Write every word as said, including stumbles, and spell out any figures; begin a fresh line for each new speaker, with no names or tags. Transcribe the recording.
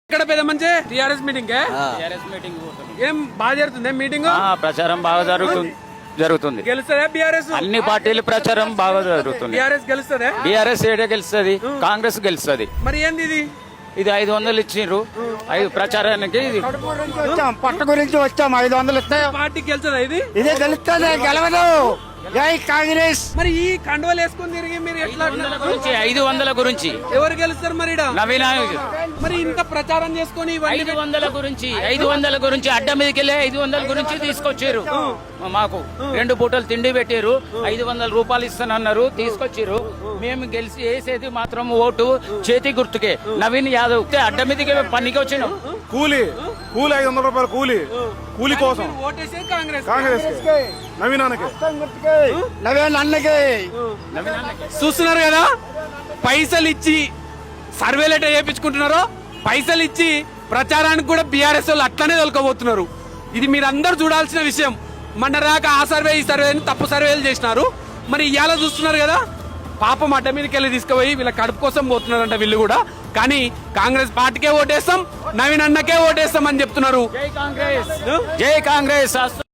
ఇక్కడ పెద్ద మంచి టిఆర్ఎస్ మీటింగ్
టిఆర్ఎస్ మీటింగ్
ఏం బాగా జరుగుతుంది మీటింగ్
ప్రచారం బాగా జరుగుతుంది జరుగుతుంది
గెలుస్తుందా బీఆర్ఎస్
అన్ని పార్టీలు ప్రచారం బాగా జరుగుతుంది.
టిఆర్ఎస్ గెలుస్తుందా
బీఆర్ఎస్ ఏడే గెలుస్తుంది, కాంగ్రెస్ గెలుస్తుంది.
మరి ఏంది ఇది
ఇది ఐదు వందలు ఇచ్చిండ్రు ఐదు ప్రచారానికి. ఇది
వచ్చాం పట్ట గురించి వచ్చాం. ఐదు వందలు ఇస్తే
పార్టీకి గెలుస్తుందా ఇది
ఇదే గెలుస్తుంది, గెలవదు. జై కాంగ్రెస్.
మరి ఈ కండువలు వేసుకుని తిరిగి మీరు ఎట్లా
గురించి ఐదు వందల గురించి
ఎవరు గెలుస్తారు మరి ఈడ?
నవీన
మరి ఇంత ప్రచారం చేసుకుని ఇవన్నీ
ఐదు వందల గురించి ఐదు వందల గురించి అడ్డ మీదకి వెళ్ళి ఐదు వందల గురించి తీసుకొచ్చారు. మాకు రెండు పూటలు తిండి పెట్టారు, ఐదు వందల రూపాయలు ఇస్తానన్నారు, తీసుకొచ్చారు. మేము గెలిచి వేసేది మాత్రం ఓటు చేతి గుర్తుకే, నవీన్ యాదవ్. అడ్డ మీదకి పనికి వచ్చినాం.
కూలీ కూలీ ఐదు వందల రూపాయలు కూలీ కూలీ కోసం
ఓటేసేది కాంగ్రెస్
కాంగ్రెస్ నవీనానికి
నవీన్ అన్నకి.
చూస్తున్నారు కదా, పైసలు ఇచ్చి సర్వేలు ఎట్లా చేయించుకుంటున్నారో, పైసలు ఇచ్చి ప్రచారానికి కూడా బీఆర్ఎస్ వాళ్ళు అట్లనే తొలకపోతున్నారు. ఇది మీరు అందరు చూడాల్సిన విషయం. మొన్న రాక ఆ సర్వే ఈ సర్వే అని తప్పు సర్వేలు చేసినారు. మరి ఇవాళ చూస్తున్నారు కదా, పాపం అడ్డ మీదకి వెళ్ళి తీసుకుపోయి వీళ్ళ కడుపు కోసం పోతున్నారంట వీళ్ళు కూడా. కానీ కాంగ్రెస్ పార్టీకే ఓటేస్తాం, నవీన్ అన్నకే ఓటేస్తాం అని చెప్తున్నారు.
జై కాంగ్రెస్, జై కాంగ్రెస్.